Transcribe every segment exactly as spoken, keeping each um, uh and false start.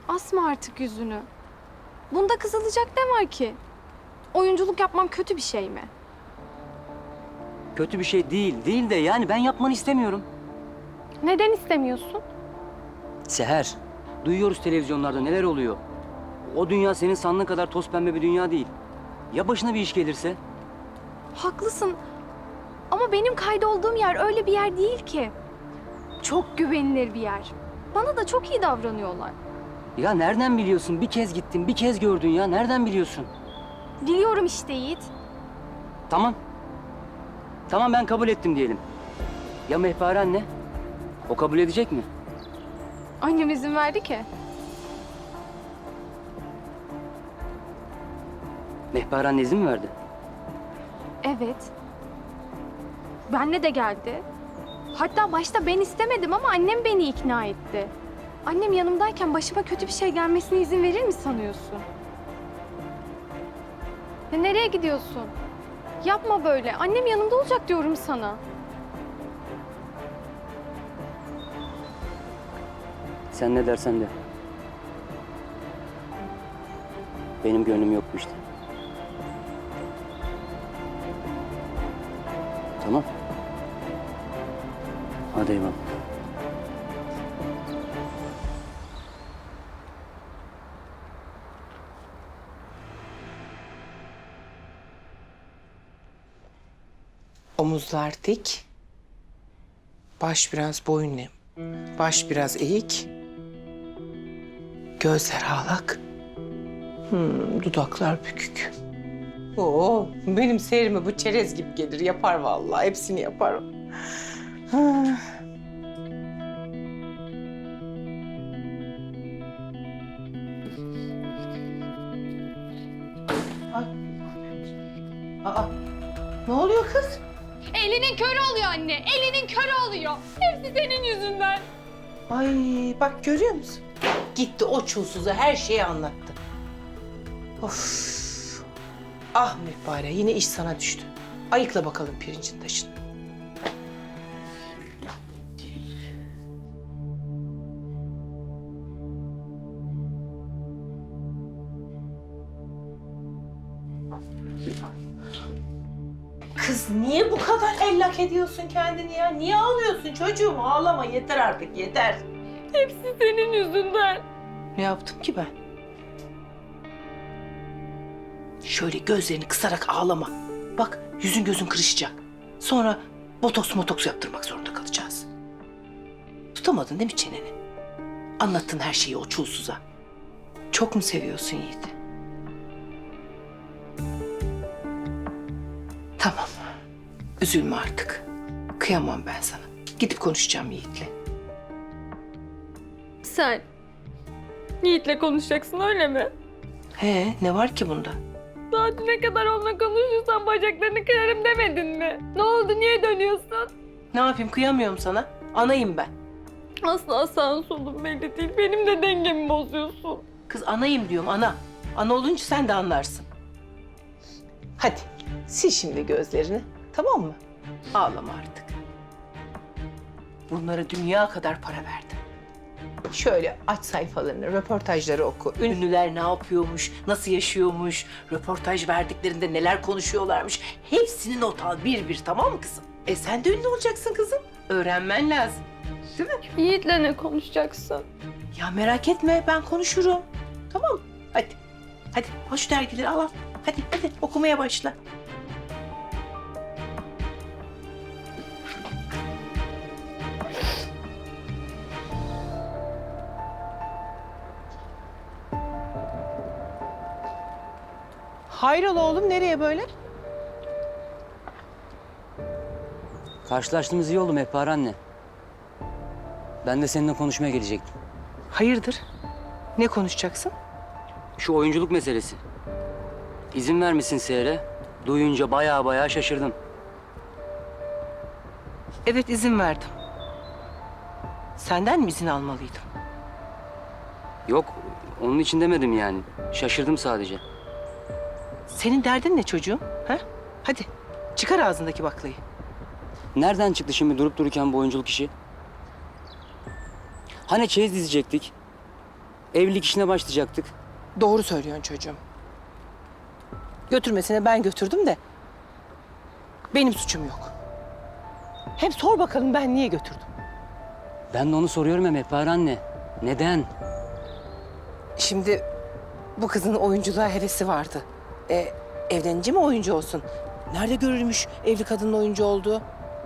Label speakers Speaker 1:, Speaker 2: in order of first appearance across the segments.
Speaker 1: Asma artık yüzünü. Bunda kızılacak ne var ki? Oyunculuk yapmam kötü bir şey mi?
Speaker 2: Kötü bir şey değil, değil de yani ben yapmanı istemiyorum.
Speaker 1: Neden istemiyorsun?
Speaker 2: Seher, duyuyoruz televizyonlarda neler oluyor. O dünya senin sandığın kadar toz pembe bir dünya değil. Ya başına bir iş gelirse?
Speaker 1: Haklısın. Ama benim kaydolduğum yer öyle bir yer değil ki. Çok güvenilir bir yer. Bana da çok iyi davranıyorlar.
Speaker 2: Ya nereden biliyorsun? Bir kez gittin, bir kez gördün ya. Nereden biliyorsun?
Speaker 1: Biliyorum işte Yiğit.
Speaker 2: Tamam. Tamam ben kabul ettim diyelim. Ya Mehpare anne? O kabul edecek mi?
Speaker 1: Annem izin verdi ki.
Speaker 2: Mehpare anne izin mi verdi?
Speaker 1: Evet. Benle de geldi. Hatta başta ben istemedim ama annem beni ikna etti. Annem yanımdayken başıma kötü bir şey gelmesine izin verir mi sanıyorsun? Ya nereye gidiyorsun? Yapma böyle. Annem yanımda olacak diyorum sana.
Speaker 2: Sen ne dersen de. Benim gönlüm yok bu işte. Tamam. Hadi eyvallah.
Speaker 3: Omuzlar dik. Baş biraz boyun eğik. Baş biraz eğik. Gözler ağlak. Hmm, dudaklar bükük. Oo, benim seyrime bu çerez gibi gelir. Yapar vallahi. Hepsini yapar. Ha. Ay. Aa, ne oluyor kız?
Speaker 1: Elinin körü oluyor anne. Elinin körü oluyor. Hepsi senin yüzünden.
Speaker 3: Ay bak görüyor musun? Gitti o çulsuza her şeyi anlattı. Of. Ah Mehpare yine iş sana düştü. Ayıkla bakalım pirincin taşını. Kız niye bu kadar ellak ediyorsun kendini ya? Niye ağlıyorsun çocuğum? Ağlama yeter artık yeter.
Speaker 1: Hepsi senin yüzünden.
Speaker 3: Ne yaptım ki ben? Şöyle gözlerini kısarak ağlama. Bak yüzün gözün kırışacak. Sonra botoks motoks yaptırmak zorunda kalacağız. Tutamadın değil mi çeneni? Anlattın her şeyi o çulsuza. Çok mu seviyorsun Yiğit'i? Tamam. Üzülme artık. Kıyamam ben sana. Gidip konuşacağım Yiğit'le.
Speaker 1: Sen Yiğit'le konuşacaksın öyle mi?
Speaker 3: He, ne var ki bunda?
Speaker 1: Daha düne kadar onunla konuşursan bacaklarını kırarım demedin mi? Ne oldu? Niye dönüyorsun?
Speaker 3: Ne yapayım kıyamıyorum sana. Anayım ben.
Speaker 1: Asla sağın solun belli değil. Benim de dengemi bozuyorsun.
Speaker 3: Kız anayım diyorum ana. Ana olunca sen de anlarsın. Hadi sil şimdi gözlerini tamam mı? Ağlama artık. Bunlara dünya kadar para verdim. Şöyle aç sayfalarını, röportajları oku. Ünlüler ne yapıyormuş, nasıl yaşıyormuş, röportaj verdiklerinde neler konuşuyorlarmış. Hepsini not al bir bir tamam mı kızım? E sen de ünlü olacaksın kızım. Öğrenmen lazım. Değil mi?
Speaker 1: Yiğit'le ne konuşacaksın?
Speaker 3: Ya merak etme ben konuşurum. Tamam mı? Hadi. Hadi al şu dergileri al al. Hadi hadi okumaya başla. Hayrola oğlum nereye böyle?
Speaker 2: Karşılaştığımız iyi oldu Mehpare anne. Ben de seninle konuşmaya gelecektim.
Speaker 3: Hayırdır? Ne konuşacaksın?
Speaker 2: Şu oyunculuk meselesi. İzin vermişsin Seher'e. Duyunca bayağı bayağı şaşırdım.
Speaker 3: Evet izin verdim. Senden mi izin almalıydım?
Speaker 2: Yok, onun için demedim yani. Şaşırdım sadece.
Speaker 3: Senin derdin ne çocuğum? Ha? Hadi çıkar ağzındaki baklayı.
Speaker 2: Nereden çıktı şimdi durup dururken bu oyunculuk işi? Hani çeyiz dizecektik? Evlilik işine başlayacaktık.
Speaker 3: Doğru söylüyorsun çocuğum. Götürmesine ben götürdüm de benim suçum yok. Hem sor bakalım ben niye götürdüm?
Speaker 2: Ben de onu soruyorum ya Mehpare anne. Neden?
Speaker 3: Şimdi bu kızın oyunculuğa hevesi vardı. E, evlenince mi oyuncu olsun? Nerede görülmüş evli kadının oyuncu olduğu?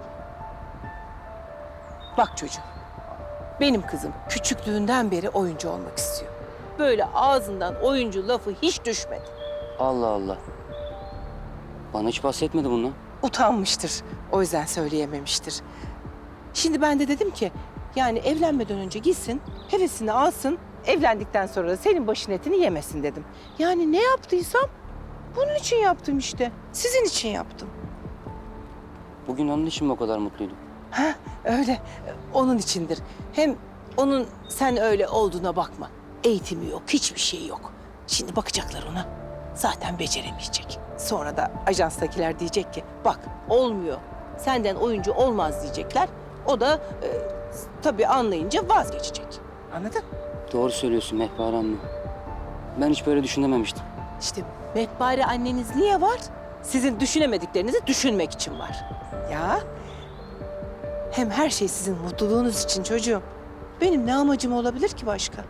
Speaker 3: Bak çocuğum, benim kızım küçüklüğünden beri oyuncu olmak istiyor. Böyle ağzından oyuncu lafı hiç düşmedi.
Speaker 2: Allah Allah. Bana hiç bahsetmedi bundan.
Speaker 3: Utanmıştır, o yüzden söyleyememiştir. Şimdi ben de dedim ki, yani evlenmeden önce gitsin, hevesini alsın, evlendikten sonra da senin başın etini yemesin dedim. Yani ne yaptıysam bunun için yaptım işte, sizin için yaptım.
Speaker 2: Bugün onun için mi o kadar mutluydun?
Speaker 3: Ha, öyle. Onun içindir. Hem onun sen öyle olduğuna bakma. Eğitimi yok, hiçbir şey yok. Şimdi bakacaklar ona. Zaten beceremeyecek. Sonra da ajanstakiler diyecek ki, bak olmuyor. Senden oyuncu olmaz diyecekler. O da e, tabii anlayınca vazgeçecek. Anladın?
Speaker 2: Doğru söylüyorsun Mehpare anne. Ben hiç böyle düşünememiştim.
Speaker 3: İşte Mehpare anneniz niye var? Sizin düşünemediklerinizi düşünmek için var. Ya. Hem her şey sizin mutluluğunuz için çocuğum. Benim ne amacım olabilir ki başka?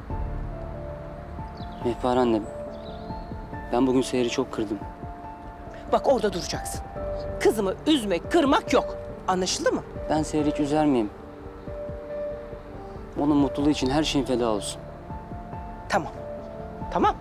Speaker 2: Mehpare anne, ben bugün Seher'i çok kırdım.
Speaker 3: Bak orada duracaksın. Kızımı üzmek, kırmak yok. Anlaşıldı mı?
Speaker 2: Ben Seher'i hiç üzer miyim? Onun mutluluğu için her şeyin feda olsun.
Speaker 3: Tamam. Tamam.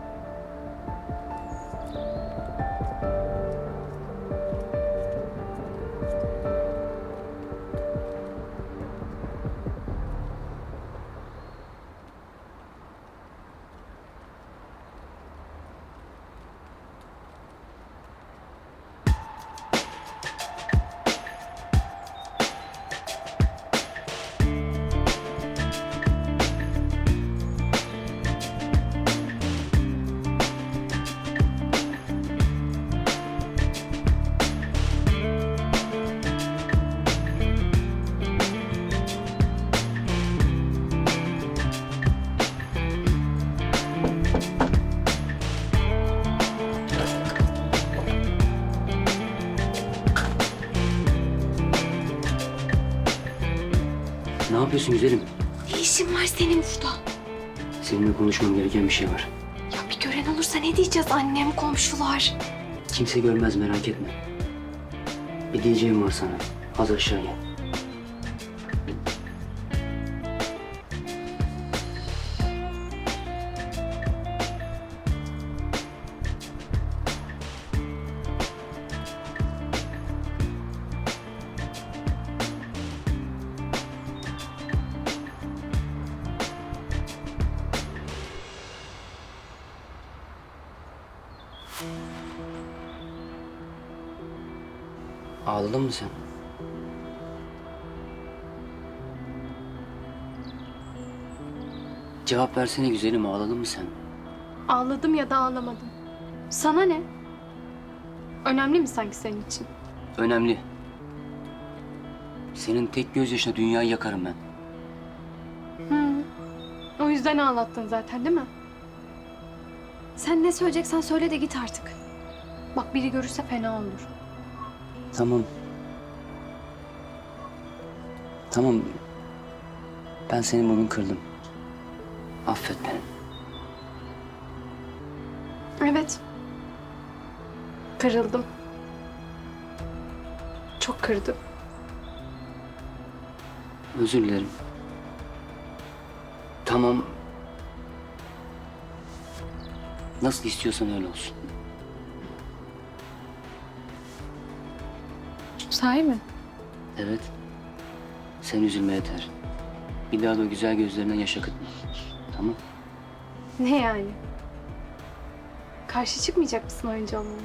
Speaker 2: Ne yapıyorsun güzelim?
Speaker 1: Ne işin var senin burada?
Speaker 2: Seninle konuşmam gereken bir şey var.
Speaker 1: Ya bir gören olursa ne diyeceğiz annem, komşular?
Speaker 2: Kimse görmez merak etme. Bir diyeceğim var sana. Az aşağı gel. Ağladın mı sen? Cevap versene güzelim, ağladın mı sen?
Speaker 1: Ağladım ya da ağlamadım. Sana ne? Önemli mi sanki senin için?
Speaker 2: Önemli. Senin tek gözyaşına dünyayı yakarım ben.
Speaker 1: Hı. O yüzden ağlattın zaten değil mi? Sen ne söyleyeceksen söyle de git artık. Bak biri görürse fena olur.
Speaker 2: Tamam. Tamam. Ben seni bugün kırdım. Affet beni.
Speaker 1: Evet. Kırıldım. Çok kırdım.
Speaker 2: Özür dilerim. Tamam. Nasıl istiyorsan öyle olsun.
Speaker 1: Sahi mi?
Speaker 2: Evet. Sen üzülme yeter. Bir daha da o güzel gözlerinden yaş akıtma. Tamam.
Speaker 1: Ne yani? Karşı çıkmayacak mısın oyuncu olmama?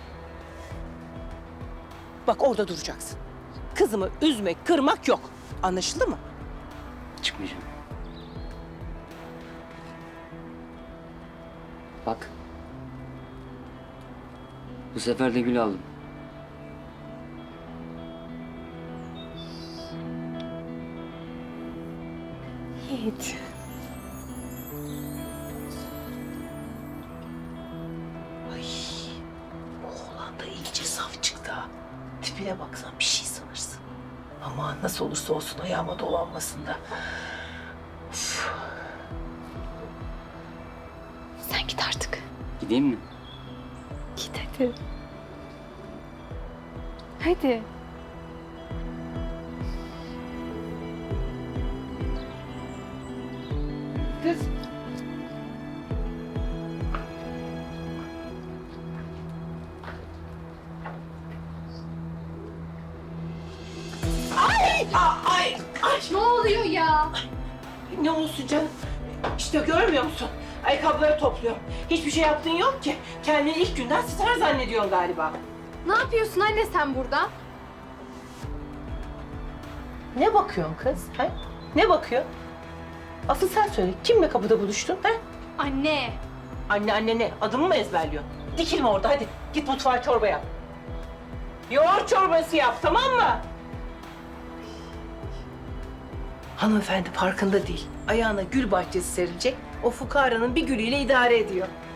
Speaker 3: Bak orada duracaksın. Kızımı üzmek, kırmak yok. Anlaşıldı mı?
Speaker 2: Çıkmayacağım. Bak. Bu sefer de gül aldım.
Speaker 1: Yiğit.
Speaker 3: tipine baksan bir şey sanırsın. Ama nasıl olursa olsun ayağıma dolanmasın da. Üf.
Speaker 1: Sen git artık.
Speaker 2: Gideyim mi?
Speaker 1: Git hadi. Hadi.
Speaker 3: Kız. Ay! Aa, Ay! Ay!
Speaker 1: Ne oluyor ya?
Speaker 3: Ne olsun canım? İşte görmüyor musun? Ayakkabıları topluyorum. Hiçbir şey yaptığın yok ki. Kendini ilk günden star zannediyorsun galiba.
Speaker 1: Ne yapıyorsun anne sen burada?
Speaker 3: Ne bakıyorsun kız? Ha? Ne bakıyor? Asıl sen söyle. Kimle kapıda buluştun? Ha?
Speaker 1: Anne.
Speaker 3: Anne anne ne? Adımı mı ezberliyorsun? Dikilme orada hadi. Git mutfağa çorba yap. Yoğurt çorbası yap tamam mı? Hanımefendi farkında değil. Ayağına gül bahçesi serilecek. O fukaranın bir gülüyle idare ediyor.